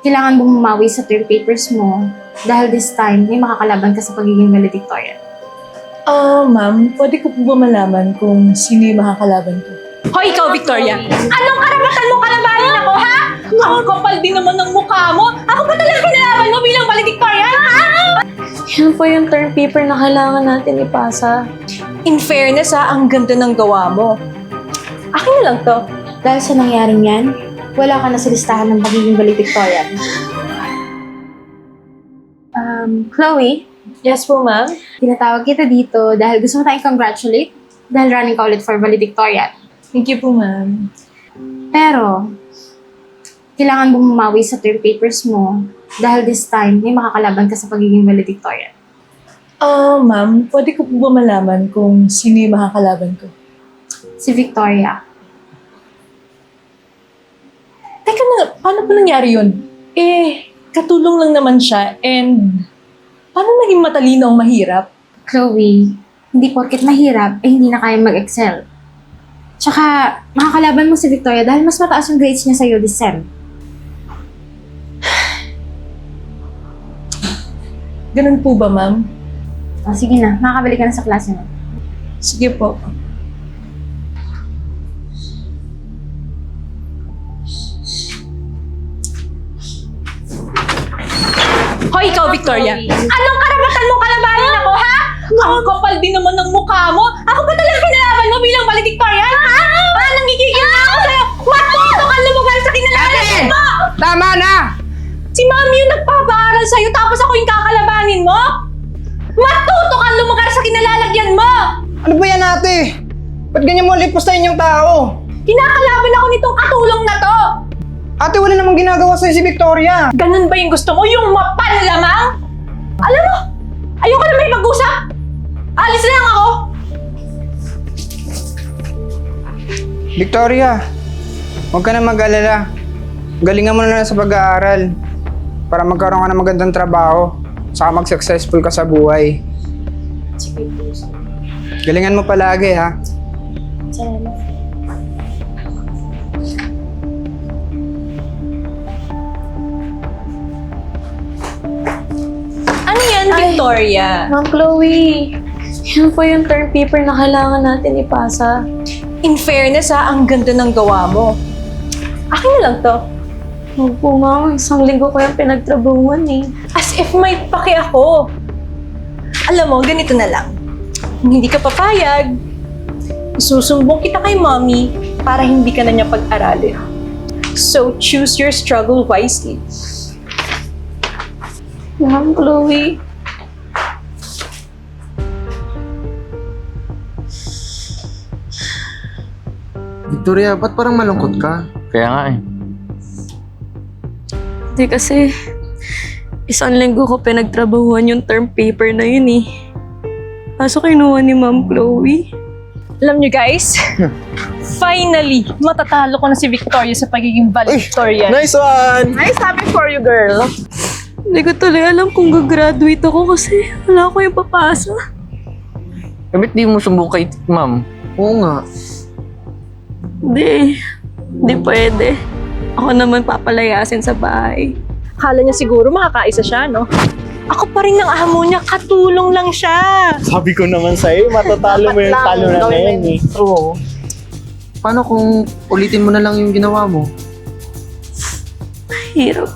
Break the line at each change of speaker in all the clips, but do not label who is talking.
kailangan mong bumawi sa term papers mo dahil this time may makakalaban ka sa pagiging valedictorian.
Ma'am, pwede ko po ba malaman kung sino yung makakalaban ko?
Hoy, ikaw, Victoria! Anong karapatan mo kalabanin ako, ha? Ang kapal din naman ng mukha mo! Ako ba talaga kinalaban mo bilang valedictorian, ha?
Yan po yung term paper na kailangan natin ipasa.
In fairness, ha, ang ganda ng gawa mo. Akin na lang to.
Dahil sa nangyaring yan, wala ka na sa listahan ng pagiging valedictorian. Chloe,
Yes po, ma'am.
tinatawag kita dito dahil gusto ko tayong congratulate dahil running ka ulit for valedictorian.
Thank you po, ma'am.
Pero, kailangan mong bumawi sa term papers mo dahil this time may makakalaban ka sa pagiging valedictorian.
Ma'am, pwede ko po ba malaman kung sino yung makakalaban ko?
Si Victoria.
Teka na, paano pa nangyari yun? Katulong lang naman siya and paano naging matalino ang mahirap?
Chloe, hindi porket mahirap, hindi na kaya mag-excel. Tsaka, makakalaban mo si Victoria dahil mas mataas yung grades niya sa'yo this sem.
Ganun po ba, ma'am?
O, sige na, makakabalik ka na sa klase mo.
Sige po.
Hoy, ikaw, Victoria! Anong karapatan mo kalabanin ako, ha? Ang kapal din naman ng mukha mo! Ako ba talaga kinalaban mo bilang valedictorian, ha? Nangigigil na ako sa'yo! Matuto ka lumugar sa kinalaban mo!
Tama na!
Si Mami yung nagpapaaral sa'yo tapos ako yung kakalabanin mo? Matuto ka lumugar sa kinalalagyan mo!
Ano ba yan, ate? Ba't ganyan mo lipustahin yung tao?
Kinakalaban ako nitong katulong na to!
Ate, wala namang ginagawa sa'yo si Victoria.
Ganun ba yung gusto mo? Yung mapanlamang? Alam mo, ayoko na may mag-usap! Alis na lang ako!
Victoria, huwag ka na mag-alala. Galingan mo na lang sa pag-aaral para magkaroon ka ng magandang trabaho saka mag-successful ka sa buhay. Galingan mo palagi, ha?
Salamat.
Ano yan, Victoria?
Ma'am Chloe, yan po yung term paper na kailangan natin ipasa.
In fairness, ha, ang ganda ng gawa mo. Akin na lang to.
Huwag po, ma'am. Isang linggo ko yung pinagtrabuhan eh.
As if may pake ako. Alam mo, ganito na lang. Kung hindi ka papayag, isusumbong kita kay Mommy para hindi ka na niya pag-aralin. So, choose your struggle wisely.
Ma'am Chloe.
Victoria, ba't parang malungkot ka?
Kaya nga eh.
Hindi kasi, isang linggo ko pinagtrabahuan yung term paper na yun eh. Kaso kinuha ni Ma'am Chloe.
Alam niyo guys, finally, matatalo ko na si Victoria sa pagiging valedictorian.
Nice one!
Nice happy for you, girl.
Hindi ko tuloy alam kung gagraduate ako kasi wala ko yung papasa.
Bakit di mo sumbong kay ma'am?
Oo nga.
Hindi pwede. Ako naman papalayasin sa bahay.
Akala niya siguro makakaisa siya, no? Ako pa rin ng amo niya, katulong lang siya.
Sabi ko naman sa'yo, matatalo mo yung talo na yan eh.
True.
Paano kung ulitin mo na lang yung ginawa mo?
Hirap.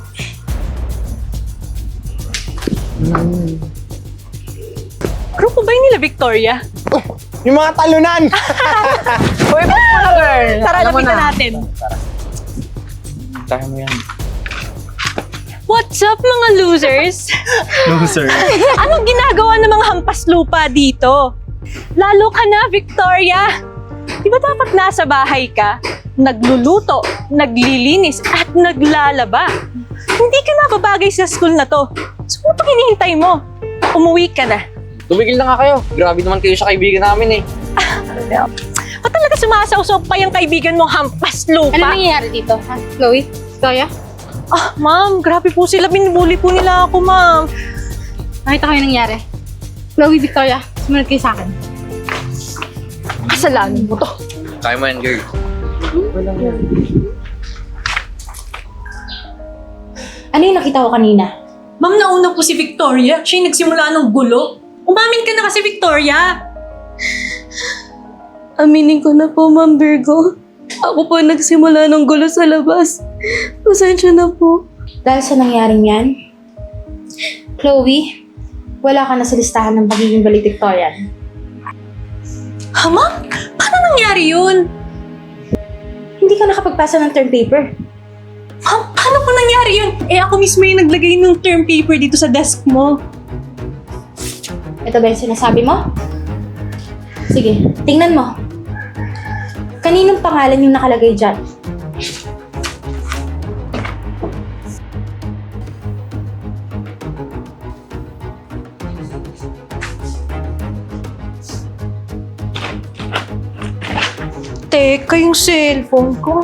Grupo ba yun nila, Victoria?
Yung mga talunan!
Uy, ba't mo na, girl? Tara,
Alam mo
lapitan
na.
natin.
Kaya mo yan.
What's up, mga losers?
Loser.
Anong ginagawa ng mga hampas lupa dito? Lalo ka na, Victoria! Di ba dapat nasa bahay ka, nagluluto, naglilinis, at naglalaba? Hindi ka na babagay sa school na to. So, ano pang hinihintay mo? Umuwi ka na.
Tumigil na nga kayo. Grabe naman kayo sa kaibigan namin eh.
Ba't talaga sumasausok pa yung kaibigan mong hampas lupa?
Ano nangyayari dito, ha? Chloe? Victoria?
Ah, ma'am, grabe po sila. Binubuli po nila ako, ma'am.
Nakita ko yung nangyari. Chloe, Victoria, sumunod kayo sa akin.
Kasalanan mo to.
Kaya mo yan, girl.
Ano yung nakita ko kanina?
Ma'am, nauna po si Victoria. Siya yung nagsimula ng gulo. Umamin ka na kasi, Victoria!
Aminin ko na po, Ma'am Virgo. Ako po nagsimula ng gulo sa labas. Pasensya na po.
Dahil sa nangyaring yan, Chloe, wala ka na sa listahan ng pagiging valedictorian.
Ha, ma'am? Paano nangyari yun?
Hindi ka nakapagpasa ng term paper.
Ma'am, paano po nangyari yun? Eh, ako mismo yung naglagay ng term paper dito sa desk mo.
Ito ba yung sinasabi mo? Sige, tingnan mo. Kaninong pangalan yung nakalagay dyan?
Teka, yung cellphone ko.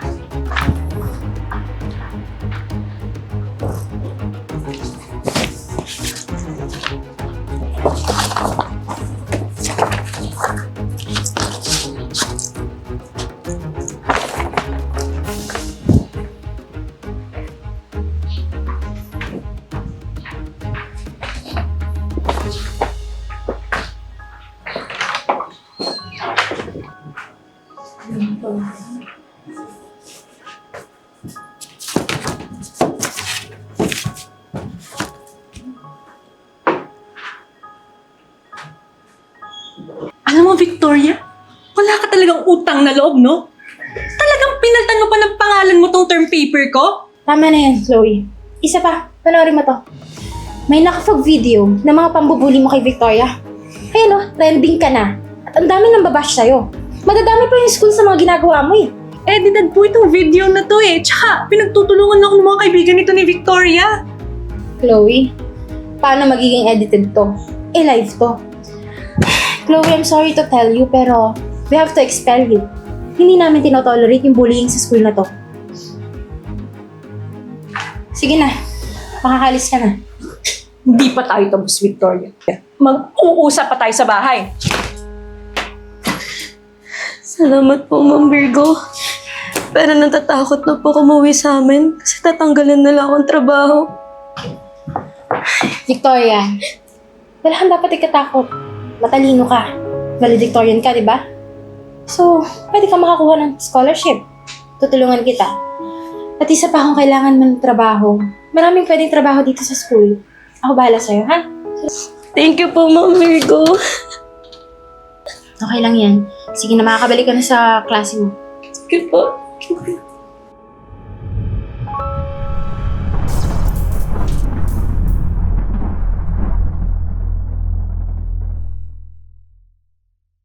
Alam mo, Victoria, wala ka talagang utang na loob, no? Talagang pinaltan mo pa ng pangalan mo tong term paper ko?
Tama na yan, Chloe. Isa pa, panoorin mo to. May nakapag video ng mga pambubuli mo kay Victoria. Ayun o, trending ka na. At ang dami nang babash sa'yo. Madadami pa yung school sa mga ginagawa mo eh.
Edited po itong video na to eh. Tsaka, pinagtutulungan ako ng mga kaibigan nito ni Victoria.
Chloe, paano magiging edited to? Eh, live to. Chloe, I'm sorry to tell you, pero we have to expel you. Hindi namin tinotolerate yung bullying sa school na to. Sige na, makakalis ka na.
Hindi pa tayo tapos, Victoria. Mag-uusap pa tayo sa bahay.
Salamat po, Ma'am Virgo. Pero natatakot na po umuwi sa amin kasi tatanggalin nila akong trabaho.
Victoria, wala kang dapat ikatakot. Matalino ka. Valedictorian ka, di ba? So, pwede ka makakuha ng scholarship. Tutulungan kita. At isa pa kung kailangan mo ng trabaho. Maraming pwedeng trabaho dito sa school. Ako bahala sa'yo, ha?
Thank you po, Ma'am Virgo.
Okay lang yan. Sige na, makakabalik ka na sa klase mo.
Sige po.